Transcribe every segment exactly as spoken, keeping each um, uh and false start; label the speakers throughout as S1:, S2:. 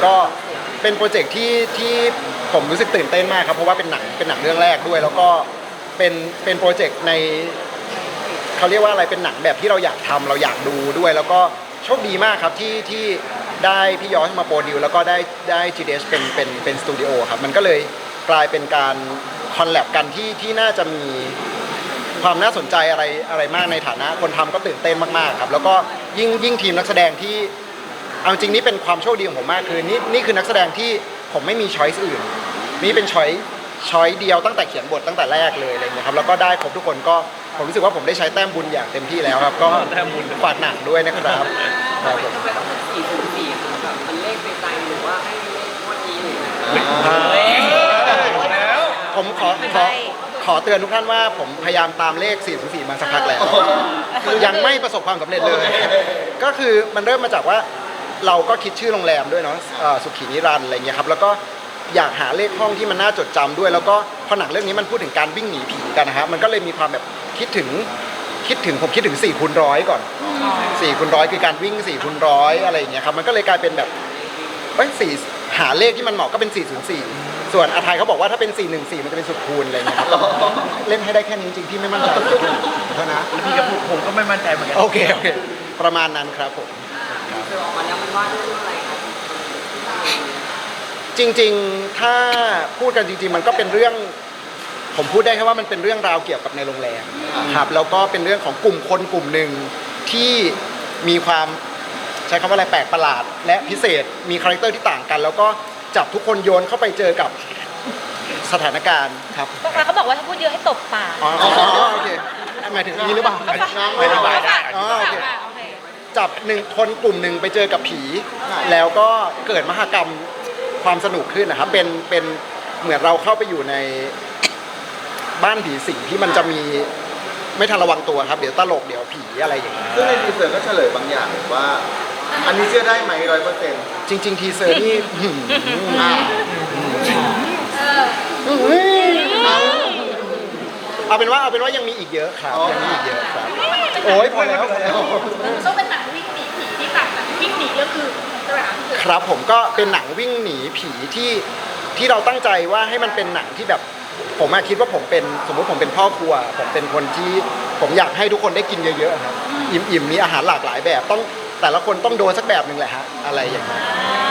S1: ก็เป็นโปรเจกต์ที่ที่ผมรู้สึกตื่นเต้นมากครับเพราะว่าเป็นหนังเป็นหนังเรื่องแรกด้วย แล้วก็เป็นเป็นโปรเจกต์ในเขาเรียกว่าอะไรเป็นหนังแบบที่เราอยากทำเราอยากดูด้วย แล้วก็โชคดีมากครับที่ที่ได้พี่ยอชมาโปรดิวแล้วก็ได้ได้ จี ดี เอช เป็นเป็นเป็นสตูดิโอครับมันก็เลยกลายเป็นการคอลแลบกันที่ที่น่าจะมีความน่าสนใจอะไรอะไรมากในฐานะคนทำก็ตื่นเต้นมากๆครับแล้วก็ยิ่งยิ่งทีมนักแสดงที่เอาจริงนี่เป็นความโชคดีของผมมากคือนี่นี่คือนักแสดงที่ผมไม่มีช้อยส์อื่นนี่เป็นช้อยช้อยเดียวตั้งแต่เขียนบทตั้งแต่แรกเลยอะไรเงี้ยครับแล้วก็ได้ครบทุกคนก็ผมรู้สึกว่าผมได้ใช้แต้มบุญอย่างเต็มที่แล้วครับก็ฝากหนังด้วยนะครับครับผม
S2: ทำไมต้องเป็นสี่ศูนย์สี่คือแบบมันเลขในใจหรือว่าให้เลขงวดนี้หรือ
S1: ผมขอขอขอเตือนทุกท่านว่าผมพยายามตามเลขสี่ศูนย์สี่มาสักพักแล้วยังไม่ประสบความสำเร็จเลย ก็คือมันเริ่มมาจากว่าเราก็คิดชื่อโรงแรมด้วยเนาะสุขีนิรันดร์อะไรเงี้ยครับแล้วก็อยากหาเลขห้องที่มันน่าจดจำด้วย แล้วก็พอหนังเรื่องนี้มันพูดถึงการวิ่งหนีผีกันนะฮะมันก็เลยมีความแบบคิดถึงคิดถึงผมคิดถึงสี่คูณร้อยก่อนสี่คูณร้อยคือการวิ่งสี่คูณร้อยอะไรอย่างเงี้ยครับมันก็เลยกลายเป็นแบบเอ้ยสี่หาเลขที่มันเหมาะก็เป็นสี่ศูนย์สี่ส่วนอาทัยเขาบอกว่าถ้าเป็นสี่หนึ่งสี่มันจะเป็นสุดคูณอะไรเงี้ยครับเล่นให้ได้แค่นี้จริงๆพี่ไม่มั่นใจเท่านะ
S3: พี่กับผมก็ไม่มั่นใจเหมือนกัน
S1: โอเคโอเคประมาณนั้นครับผม
S2: คือออกมาแล้วมันว่าเรื่องอะไรครับ
S1: จริงๆถ้าพูดกันจริงๆมันก็เป็นเรื่องผมพูดได้แค่ว่ามันเป็นเรื่องราวเกี่ยวกับในโรงแรมครับแล้วก็เป็นเรื่องของกลุ่มคนกลุ่มหนึ่งที่มีความใช้คำว่าอะไรแปลกประหลาด และพิเศษมีคาแรคเตอร์ที่ต่างกัน แล้วก็จับทุกคนโยนเข้าไปเจอกับสถานการณ์ครับ
S4: เขาบอกว่าถ้าพูดเยอะให้ตบปาก
S1: อ๋อโอเคหมายถึงนี้หรือเปล่า
S3: อธิบายได้
S1: อ๋อโอเคจับหนึ่งคนกลุ่มหนึ่งไปเจอกับผี แล้วก็เกิดมหกรรมความสนุกขึ้นนะครับเป็นเป็นเหมือนเราเข้าไปอยู่ในบ้านผีสิงที่มันจะมีไม่ทันระวังตัวครับเดี๋ยวตลกเดี๋ยวผีอะไรอย่างเงี้ย
S5: ซึ่งในทีเซอร์ก็เฉลยบางอย่างว่า อันนี้เชื่อได้ไหมร้อยเปอร์เซ็นต์
S1: จริง ๆ ทีเซอร์นี่หืมเอาเป็นว่าเอาเป็นว่ายังมีอีกเยอะครับยังมีอีกเยอะครับโอ้ยพอแล้วพอแล้ว
S4: ต้องเป็นหนังวิ่งหนีผีที่แบบวิ่งหนีก็คือใช่ไหมคะ
S1: ครับผมก็เป็นหนังวิ่งหนีผีที่ที่เราตั้งใจว่าให้มันเป็นหนังที่แบบผมอะคิดว่าผมเป็นสมมติผมเป็นพ่อครัวผมเป็นคนที่ผมอยากให้ทุกคนได้กินเยอะๆครับอิ่มๆมีอาหารหลากหลายแบบต้องแต่ละคนต้องโดนสักแบบหนึ่งแหละฮะอะไรอย่างเงี้ย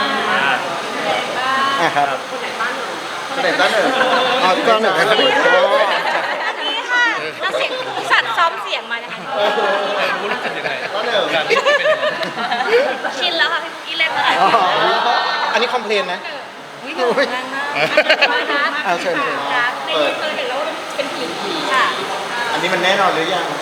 S1: อ่าครับ
S2: คนไหนบ้านหนู
S5: คะแนนด้านหนึ่ง
S1: อ๋อก็หนึ่งครับ
S4: นี่ค่ะเอาเสียงสัตว์ซ้อมเสียงมานะคะ
S3: คุณรู้สึกยังไง
S5: ด้านหนึ่ง
S3: การที่เป็นยังไง
S4: ชินแล้วค่ะพี่เล่นมาหลาย
S1: อ๋อ
S4: ปี
S1: อันนี้คอมเพลนนะ
S4: วิ่งหนีมากมาก
S1: เอาเชิญเชิญ
S4: รักในนี้เคยเห็นแล้วว่าเป็นผีผีค่ะ
S5: อันนี้มันแน่นอนหรือยัง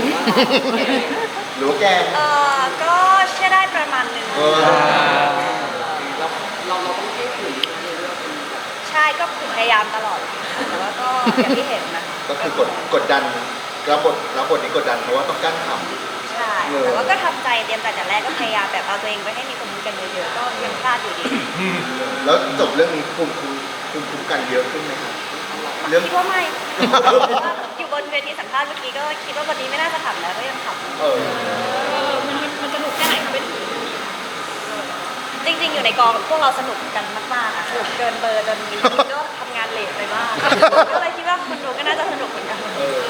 S5: หรือว่าแกง
S4: เออก็เชื่อได้ประมาณหนึง
S5: เออ
S2: เราเราเราต้องให้ถึงในเรื่อง
S4: ใช่ก็พยายามตลอดแต่ว่าก็อย่างที่เห็นนะ
S5: ก็คือกดกดดันรับบทรับบทนี้กดดันเพราะว่าต้องกั้นข
S4: ใช่แต่ว่าก็ทำใจเตรียมแต่จากแรกก็พยายามแบบเอาตัวเองไปให้มีคนรู้กันเยอะๆก็ยังพลาดอยู่ดี
S5: ำแล้วจบเรื่องนี้ภูมิคุ้มภูมิคุ้มกันเยอะขึ้นไหมครับเรื่อง
S4: คิดว่าไม่อยู่บนเวทีสัมภาษณ์เมื่อกี้ก็คิดว่าวันนี้ไม่น่าจะขำแล้วก็ยังขำ
S5: เออ
S4: มันมันสนุกแค่ไหนคะเป็นจริงๆอยู่ในกองพวกเราสนุกกันมากๆอะสนุกเกินเบอร์จนมีก็ทำงานเลทไปบ้างก็เลยคิดว่าคนดูก็น่าจะสนุกเหมือนกัน
S5: เออ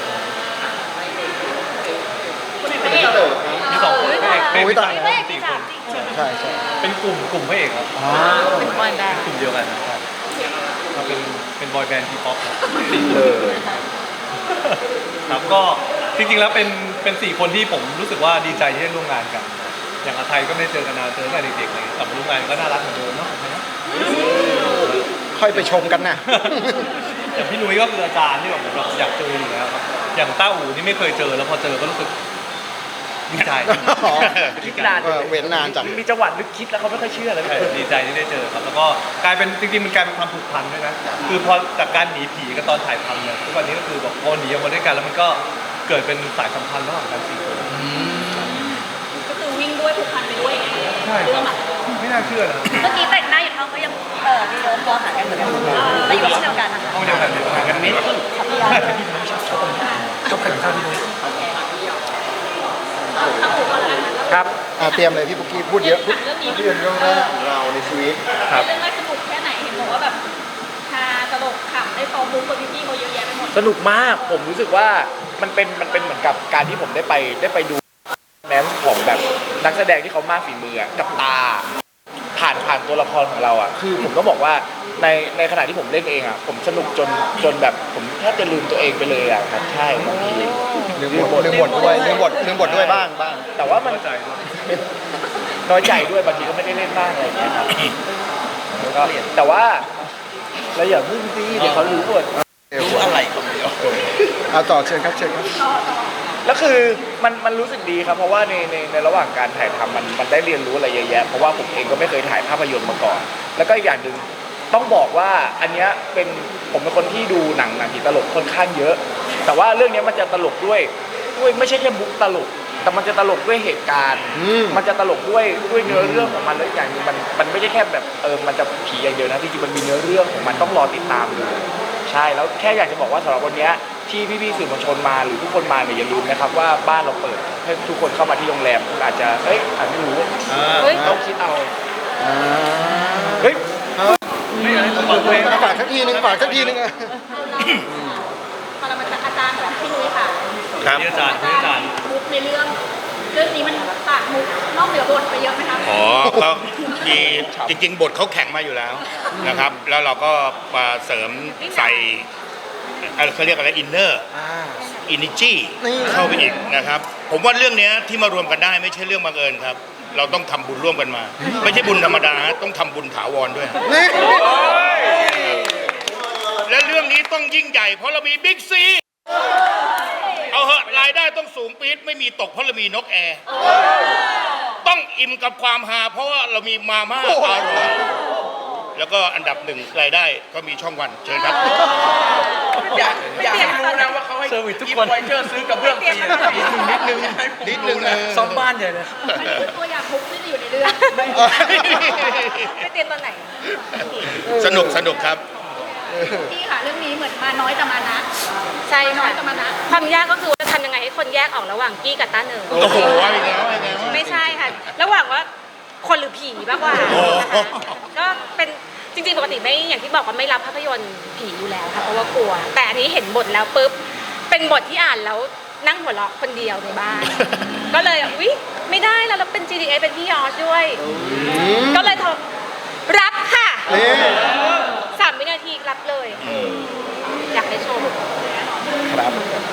S4: คนไหน
S5: เป็
S4: ไม่
S5: น
S4: เอก
S5: พี่เต๋อครับ
S3: มีสองคนพระเอก
S1: โอ้ยตาย
S4: ไม่เอกที่สามจริง
S1: ใช่ใช่
S3: เป็นกลุ่มกลุ่มพระเอกครับ
S1: อ๋อ
S4: เป็นบอยแบนด์
S3: กลุ่มเดียวกันนะครับเราเป็นเป็นบอยแบนด์ทีป๊อปครับสี่ค
S5: เอน อ
S3: ครับก็จริงๆแล้วเป็นเป็นสี่คนที่ผมรู้สึกว่าดีใจที่ได้ร่วมงานกัน อย่างอาไทยก็ไม่ได้เจอกันนานเจอตั้งแต่เด็กๆเลยกลับมาร่วมงานก็น่ารักเหมือนเดิมเนาะ
S1: ค่อยไปชมกันนะ
S3: อย่างพี่นุ้ยก็คืออาจารย์ที่แบบผมแบบอยากเจออยู่แล้วครับอย่างต้าอู๋นี่ไม่เคยเจอแล้วพอเจอก็รู้สึกดีใจ
S1: อ๋อ
S3: ดีใจ
S1: เออเว้นนานจัง
S3: มีจังหวะนึกคิดแล้วเขาไม่ค่อยเชื่อเลยดีใจที่ได้เจอครับแล้วก็กลายเป็นจริงๆมันกลายเป็นความผูกพันด้วยนะคือพอจากการหนีผีกับตอนถ่ายทำเนี่ยทุกวันนี้ก็คือแบบพอหนีออกมาด้วยกันแล้วมันก็เกิดเป็นสายสัมพันธ์ระหว่างกันสี่คน
S4: ก็คือวิ่งด้วยผูกพันไปด้วยไง
S3: ใช่ครับไม่น่าเชื่อนะ
S4: เมื่อกี้แต่งหน้าอยู่ท้องเขายังเออมีโน้มตัวหากันเหมือนกันแต่อยู่ห้องเดียวกันนะคะ
S3: ห้องเดียวกันอยู่ห่างกันเมตร
S4: ขับพี่ยา
S3: ชอบกันข้าวที่นุ้ย
S4: ถ้าผูกกันแล้ว
S6: ครับ
S1: อ่ะเตรียมเลยพี่ปุ๊กกี้พูดเยอะพูด
S4: เรื่องนี้
S1: เรื่องเรื่องแรกของเราในชีวิต
S3: ครับ
S4: เรื่องแรกสนุกแค่ไหนเห็นบอกว่าแบบฮาตลกขำได้ซ้อมมุกกับพี่ๆเขาเยอะแยะไปหมด
S6: สนุกมากผมรู้สึกว่ามันเป็นมันเป็นเหมือนกับการที่ผมได้ไปได้ไปดูแนนของแบบนักแสดงที่เขามากฝีมืออะกับตาผ่านผ่านตัวละครของเราอ่ะคือผมก็บอกว่าในในขณะที่ผมเล่นเองอ่ะผมสนุกจนจนแบบผมแทบจะลืมตัวเองไปเลยอ่ะครับใช่บางที
S1: ลืมบทลืมบทด้วยลืมบทลืมบทด้วยบ้างบ้าง
S6: แต่ว่ามัน
S3: เข้าใจด้วย
S6: น้อยใจด้วยบางทีก็ไม่ได้เล่นบ้างอะไรอย่างเงี้ยครับก็แต่ว่าเราอย่าพึ่งสิเดี๋ยวเขารู้หมด
S1: รู้อะไรคนเดียวเอาต่อเชิญครับเชิญครับ
S6: แล้วคือมันมันรู้สึกดีครับเพราะว่าในในในระหว่างการถ่ายทำมันมันได้เรียนรู้อะไรเยอะแยะเพราะว่าผมเองก็ไม่เคยถ่ายภาพยนตร์มาก่อน แล้วก็อีกอย่างหนึ่งต้องบอกว่าอันเนี้ยเป็นผมเป็นคนที่ดูหนังหนังผีตลกค่อนข้างเยอะ แต่ว่าเรื่องเนี้ยมันจะตลกด้วยด้วยไม่ใช่แค่บุ๊กตลก แต่มันจะตลกด้วยเหตุการณ์
S1: อืม
S6: มันจะตลกด้วยด้วยเนื้อเรื่องของมันแล้วอีกอย่างหนึงมันมันไม่ใช่แค่แบบเออมันจะผีอย่างเดียวนะจริงๆมันมีเนื้อเรื่องของมันต้องรอติดตามดูใช่แล้วแค่อยากจะบอกว่าสำหรับวันเนี้ยที่พี่ๆสื่อมวลชนมาหรือทุกคนมาเนี่ยอย่าลืมนะครับว่าบ้านเราเปิดให้ทุกคนเข้ามาที่โรงแรมคุณอาจจะเฮ้ยอาจไม่รู้
S4: เฮ้ย
S6: ต้องคิดเอา
S1: อ่า
S6: เฮ้ย
S3: ไม่อะไรต้องเปิดเพลง
S1: ฝากสักทีนึงฝากสักทีนึงอะ
S4: ปรมาจารย์อาจารย์ของพี่นุ้ยค่ะ
S3: ครับนี่อาจารย์นี่อาจารย์
S4: มุกในเรื่อง เรื่องนี้มันตัดมุกนอกเหนือบทไปเยอะไหมคะ
S7: อ๋อก็มีจริง ๆ บทเขาแข็งมาอยู่แล้วนะครับ แล้วเราก็มาเสริมใส่เอ่อเขาเรียกอะไรอินเนอร์
S1: อ่า
S7: อินิจี
S1: นี่
S7: เข้าไปอีกนะครับ ผมว่าเรื่องเนี้ยที่มารวมกันได้ไม่ใช่เรื่องบังเอิญครับ เราต้องทำบุญร่วมกันมา ไม่ใช่บุญธรรมดาฮะต้องทำบุญถาวรด้วย
S1: นี่
S7: และเรื่องนี้ต้องยิ่งใหญ่เพราะเรามีบิ๊กซีเอาเหอะรายได้ต้องสูงปี๊ดไม่มีตกเพราะเรามีนกแอร์ต้องอิ่มกับความฮาเพราะว่าเรามีมาม่าอร่อยแล้วก็อันดับหนึ่งรายได้ก็มีช่องวันเชิญครับ
S8: อยากอยากให้รู้นะว่าเขาให้
S6: เซอร์วิสทุก
S8: กิฟ
S6: คน
S8: ต์ไวเชอร์ซื้อกับเบื้องฟรีนะนิดนึงนิดนึง
S7: นิดนึงนะ
S6: ซ่อมบ้านใหญ่เลย
S4: มันคือตัวอย่างมุกที่อยู่ในเรื่อง ไม่เตรียมตอนไหน
S7: สนุกสนุกครับ
S4: พี่ค่ะเรื่องนี้เหมือนมาน้อยแต่มานะ
S9: ใช่
S4: น้อ
S9: ค่ะ
S4: ยแต่มานะ
S9: ความยากก็คือว่าจะทำยังไงให้คนแยกออกระหว่างกี้กับต้าเหนิง
S7: โอ้โหว่าอีกแล้วว่าอีกแล้ว
S9: ไม่ใช่ค่ะ ระหว่างว่าคนหรือผีมากกว่า
S7: โอ้
S9: นะคะก็เป็นจริงๆปกติไม่อย่างที่บอกว่าไม่รับภาพยนตร์ผีอยู่แล้วค่ะเพราะว่ากลัว แต่อันนี้เห็นบทแล้วปุ๊บเป็นบทที่อ่านแล้วนั่งหัวเราะคนเดียวในบ้าน ก็เลยอุ๊ยไม่ได้แล้วเราเป็น จี ดี เอส เป็นพี่ยอร์ชด้วย ก็เลยโทรรับค่ะ
S1: นี่
S9: สามวินาทีรับเลย อยากให้ชม
S1: ครับ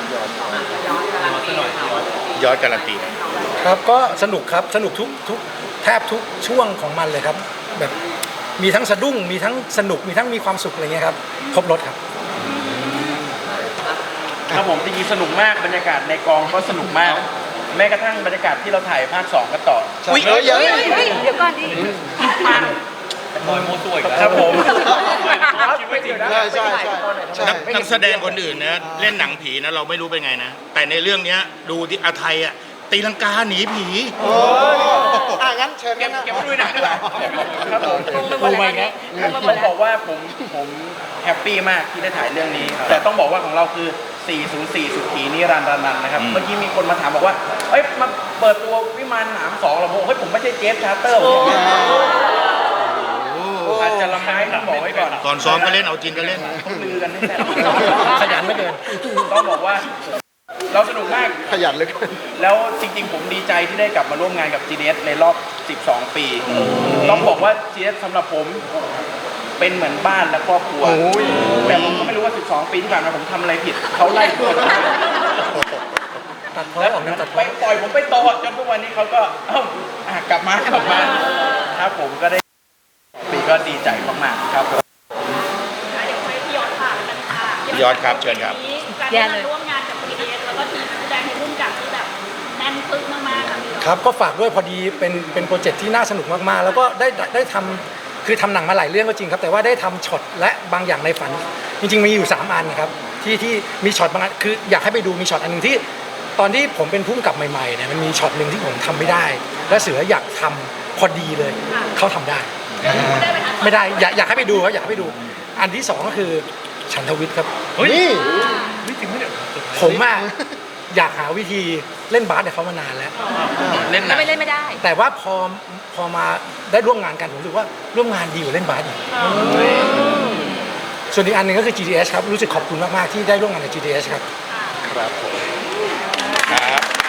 S7: ยอดการันตี
S10: ครับก็สนุกครับสนุกทุกทุกแทบทุกช่วงของมันเลยครับ แบบมีทั้งสะดุ้งมีทั้งสนุกมีทั้งมีความสุขอะไรเงี้ยครับครบรถครับ
S8: ครับผมจริงๆสนุกมากบรรยากาศในกองก็สนุกมาก แม้กระทั่งบรรยากาศที่เราถ่ายภาคสองกันต่อ
S1: อุ๊ยเอ้ยเยอะ
S9: เฮ้ยเฮ้ยเดี๋ยวก่อนดิ
S3: บอยโมตัวอีกแล้ว
S8: ครับผม
S3: ชีวิตจริง
S1: ใช่ใช่ใช่ใช่
S7: นักนักแสดงคนอื่นนะเล่นหนังผีนะเราไม่รู้เป็นไงนะ แต่ในเรื่องเนี้ยดูที่อาไทยอ่ะตีลังกาหนีผี
S1: โอ้อ่ะงั้นเชิญ
S8: เก็บ
S1: กันนะ
S8: เก็บด้วยหนักด้วยครับผม
S9: งงไปหมดแล้วเนี่ยงงไปหม
S8: ต้
S9: ด
S8: อง
S9: แล้
S8: บ
S9: ว
S8: อกว่าผมผมแฮปปี้มากที่ได้ถ่ายเรื่องนี้ แต่ต้องบอกว่าของเราคือ สี่ศูนย์สี่ สุขีนิรันดร์นันท์นะครับ เมื่อกี้มีคนมาถามบอกว่า เอ้ย มาเปิดตัววิมานหนามสองเราบอกเฮ้ย ผมไม่ใช่เจฟชาร์เตอร์ผมอาจจะละไม้ต้องบอกไว้ก่อน
S7: ก่อนซ้อมก็เล่นเอาจริงก็เล่น
S8: ต้องลือกันให้แน่
S10: ขยันไม่เกิน
S8: ต้องบอกว่า เราสนุกมาก
S1: ขยันเหลย
S8: แล้วจริงๆ ผมดีใจที่ได้กลับมาร่วมงานกับ จี ดี เอส ในรอบ สิบสอง ปี ต้องบอกว่า จี ดี เอส สำหรับผมเป็นเหมือนบ้านและครอบครัว
S1: โอ้ย
S8: แต่ผมก็ไม่รู้ว่า สิบสอง ปีที่ผ่านมาผมทำอะไรผิด เขาไล่ผม
S10: ตัดพ้อ
S8: แล้ว
S10: ออกนะตัดพ้
S8: ไป
S10: อ
S8: ปล่อยผมไปโตจนทุกวันนี้เขาก็เอ้าอ่ะกลับมากลับมาครับผมก็ได้ปีก็ดีใจมากๆครับผม
S4: เดี๋ยวไปพี่ยอดค่ะกันค่ะ
S7: ยอดครับเชิญครับ
S4: การที่มาร่วมงานกับ พี ดี เอส แล้วก็ทีมแสดงในรุ่นกับที่แบบแน่นปึ๊กมากๆค่ะพี่
S10: ครับก็ฝากด้วยพอดีเป็นเป็นโปรเจกต์ที่น่าสนุกมากๆ แล้วก็ได้ได้ได้ทำคือทำหนังมาหลายเรื่องก็จริงครับ แต่ว่าได้ทำช็อตและบางอย่างในฝัน จริงๆมีอยู่สามอันครับที่ที่มีช็อตบางอันคืออยากให้ไปดูมีช็อตอันหนึ่งที่ ตอนที่ผมเป็นผู้กำกับใหม่ๆเนี่ยมันมีช็อตหนึ่งที่ผมทำไม่ได้ และเสืออยากทำพอดีเลยเขาทำได้ ไม่ได้อยากอยากให้ไปดูครับอยากให้ไปดู อันที่สองก็คือฉันทวิทย์ครับ
S3: เฮ้ย
S1: นี่
S3: นี่จริงไหมเนี่ย
S10: ผมอะอยากหาวิธีเล่นบาสกับเขามานานแล้ว
S8: เล่นห
S9: ก็
S8: นัง
S9: ไม่เล่นไม่ได้
S10: แต่ว่าพอพอมาได้ร่วมงานกันผมรู้สึกว่าร่วมงานดีกว่าเล่นบาสอีกส่วนอีกอันหนึ่งก็คือ จี ที เอส ครับรู้สึกขอบคุณมากๆที่ได้ร่วมงานกับ จี ที เอส ครับ
S1: ครับผม
S8: ครับ